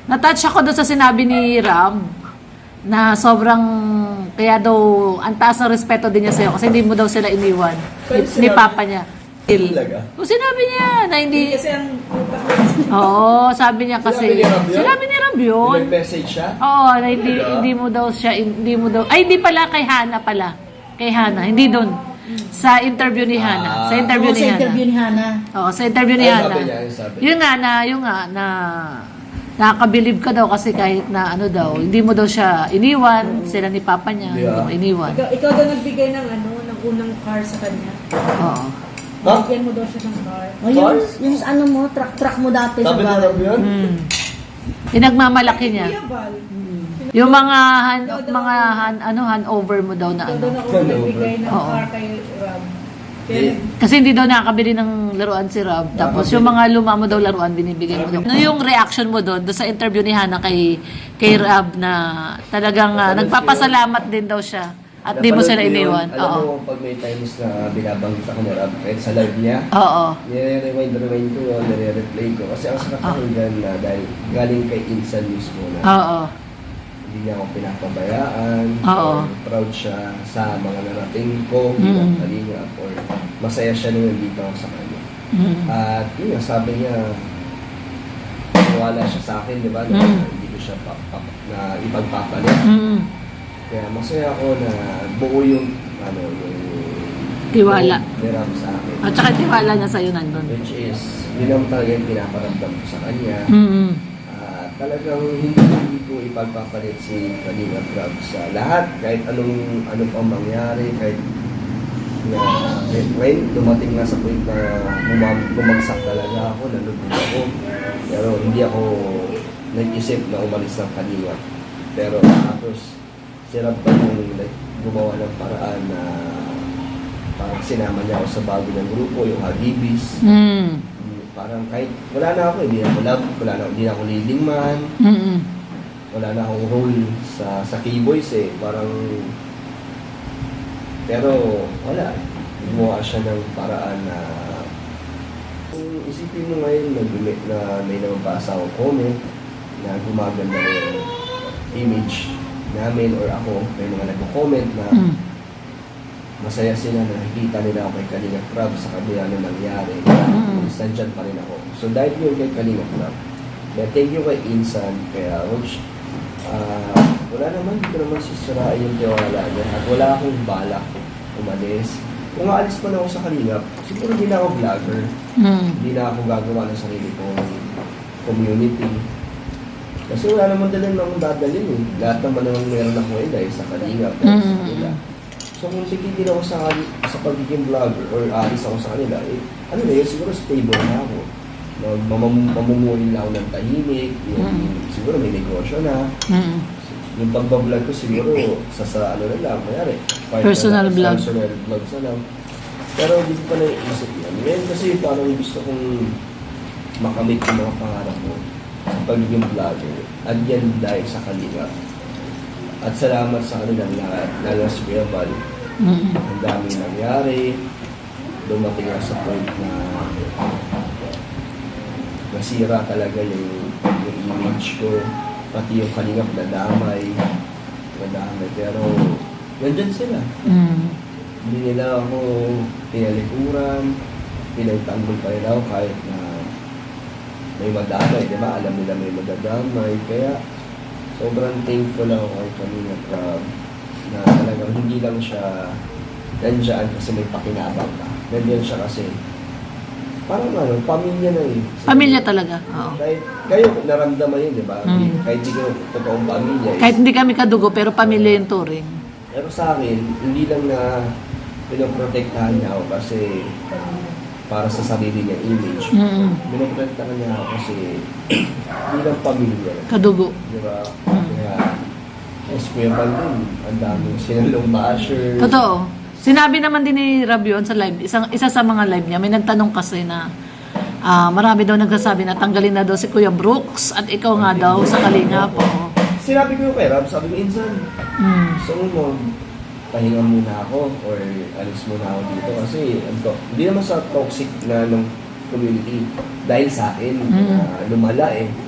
Na-touch ako doon sa sinabi ni Ram na sobrang, kaya daw, ang taas ng respeto din niya sa'yo kasi hindi mo daw sila iniwan ni Papa niya. Talaga? O sinabi niya na hindi... Kasi ang Oo, sabi niya kasi... Sinabi ni Ram yun. Nag-message siya? Oo, na hindi mo daw siya, hindi mo daw... Ay, hindi pala, kay Hana pala. Kay Hana, hindi doon. Sa interview ni Hana. Sa interview ni sa Hana. interview ni Hana. Oo, sa interview ni Ay, Hana. sabi niya, sabi niya. Yun nga na nakakabilib ka daw kasi kahit na ano daw, hindi mo daw siya iniwan, sila ni Papa niya, hindi mo iniwan. Ikaw daw nagbigay ng ng unang car sa kanya. Oo. Ha? Bigyan mo daw siya ng car. O yung ano mo, truck mo dati Sabi sa na bahay. Rob yun? Pinagmamalaki niya. Kuya Val. Yung mga handover mo daw na Ikaw daw ano. na unang nagbigay ng Oo. car kay Rob. Eh, Kasi hindi daw nakakabili ng laruan si Rob. Tapos yung mga luma mo daw laruan, binibigay mo daw. Ano yung reaction mo doon sa interview ni Hana kay Rob na talagang nagpapasalamat din daw siya at di mo sila iniwan. Alam Oo. mo, pag may times na binabanggit ako ni Rob, kahit sa live niya, Oo. nire-rewind ko yun, nire-replay ko. Kasi ang sarap pakinggan na dahil galing kay Insan mismo na Oo. hindi niya ako pinapabayaan, Oo. or proud siya sa mga narating ko, bilang kalingap, or masaya siya nung nandito ako sa kanya. At yun nga, sabi niya, wala siya sa akin, di ba, na hindi ko siya na ipagpapalit. Kaya masaya ako na buo yung, yung Tiwala. ni Rob sa akin. At saka tiwala niya sa'yo nandun. Which is, yun ang talaga yung pinaparamdam ko sa kanya. Talagang hindi ko ipagpapalit si Kalinga Rob sa lahat, kahit anong pang mangyari, kahit na when dumating na sa point na bumagsak talaga ako, nalubog ako, pero hindi ako nag-isip na umalis ng Kalinga. Pero tapos si Rob pa yung gumawa ng paraan na parang sinama niya ako sa bago ng grupo, yung Hagibis. Parang kahit wala na ako, hindi na ako love, hindi na ako leading man, wala na akong role sa K-Boys parang, pero wala, gumawa siya ng paraan na, kung isipin mo ngayon na may nababasa akong comment na gumaganda na yung image namin or ako, may mga nagko-comment na masaya sila na nakikita nila ako kay Kalinga Rob sa kabila na nangyari. Nandyan pa rin ako. So dahil yun kay Kalinga Rob, thank you kay Insan, kay Roach. Wala naman, dito naman sisirain yung tiwala niya. At wala akong balak umalis. Kung aalis pa na ako sa Kalinga, siguro hindi na ako vlogger. Hindi na ako gagawa ng sarili kong community. Kasi wala naman din akong dadalhin . Lahat naman naman meron ako dahil sa Kalinga. So kung titigil ako sa pagiging vlogger or aalis ako sa kanila, siguro stable na ako. Mamumuhin lang ako ng tahimik, siguro may negosyo na. Yung pagbablog ko siguro sa na lang, mayari. Personal vlog. Personal vlogs na lang. Pero hindi ko pa naiisip yan. Ngayon kasi parang gusto kong makamit yung mga pangarap ko sa pagiging vlogger. At yan dahil sa Kalinga. At salamat sa kanilang lahat, lalo sa Kuya Val. Ang daming nangyari. Dumating na sa point na nasira talaga yung image ko. Pati yung Kalingap nadamay. Pero nandyan sila. Hindi nila ako pinalikuran. Pinagtanggol pa rin ako kahit na may madamay. Diba? Alam nila may madadamay. Kaya sobrang thankful ako kay Kalinga Rob na talagang hindi lang siya nandyan kasi may pakinabang ka. Nandyan siya kasi parang pamilya na . Pamilya talaga. Oo. Kahit kayo naramdaman yun, di ba? Kahit di ko totoong pamilya. Kahit hindi kami kadugo, pero pamilya yung turing. Pero sa akin, hindi lang na pinoprotektahan niya ako kasi para sa sarili niya image. Pinoprotektahan niya ako kasi hindi lang pamilya. Kadugo. Di ba? Kaya, Kuya Val din, ang daming sinalong basher. Totoo. Sinabi naman din ni Rob yun sa live, isa sa mga live niya, may nagtanong kasi na marami daw nagsasabi na tanggalin na daw si Kuya Brooks at ikaw nga daw sa Kalinga po. Sinabi ko kay Rob, sabi ko, Insan, gusto mo pahinga muna ako or alis muna ako dito kasi hindi naman sa toxic na ng community dahil sa akin, lumala .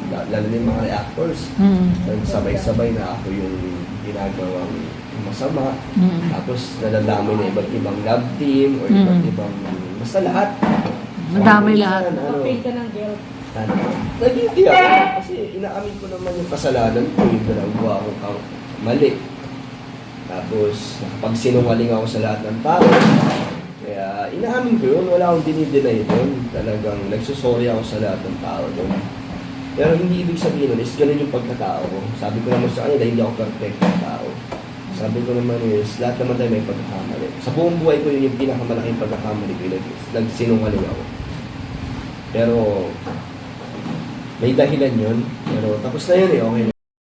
lalo na yung mga reactors. Sabay-sabay na ako yung ginagawang masama. Tapos nadadamay na iba't ibang love team o iba't ibang, basta lahat. Madami lahat. Maka-feel ka ng guilt. Nagiging ako kasi inaamin ko naman yung kasalanan ko, yung ginagawa ko mali. Tapos nakapagsinungaling ako sa lahat ng tao. Kaya inaamin ko yun, wala akong dinideny doon. Talagang nagsusorry ako sa lahat ng tao doon. Pero hindi ibig sabihin nun is ganun yung pagkatao ko. Sabi ko naman sa kanya dahil hindi ako perfect na tao. Sabi ko naman is lahat naman tayo may pagkakamali. Sa buong buhay ko yun yung pinakamalaking pagkakamali ko. Nagsinungaling ako. Pero may dahilan yun. Pero tapos na yun eh, okay na.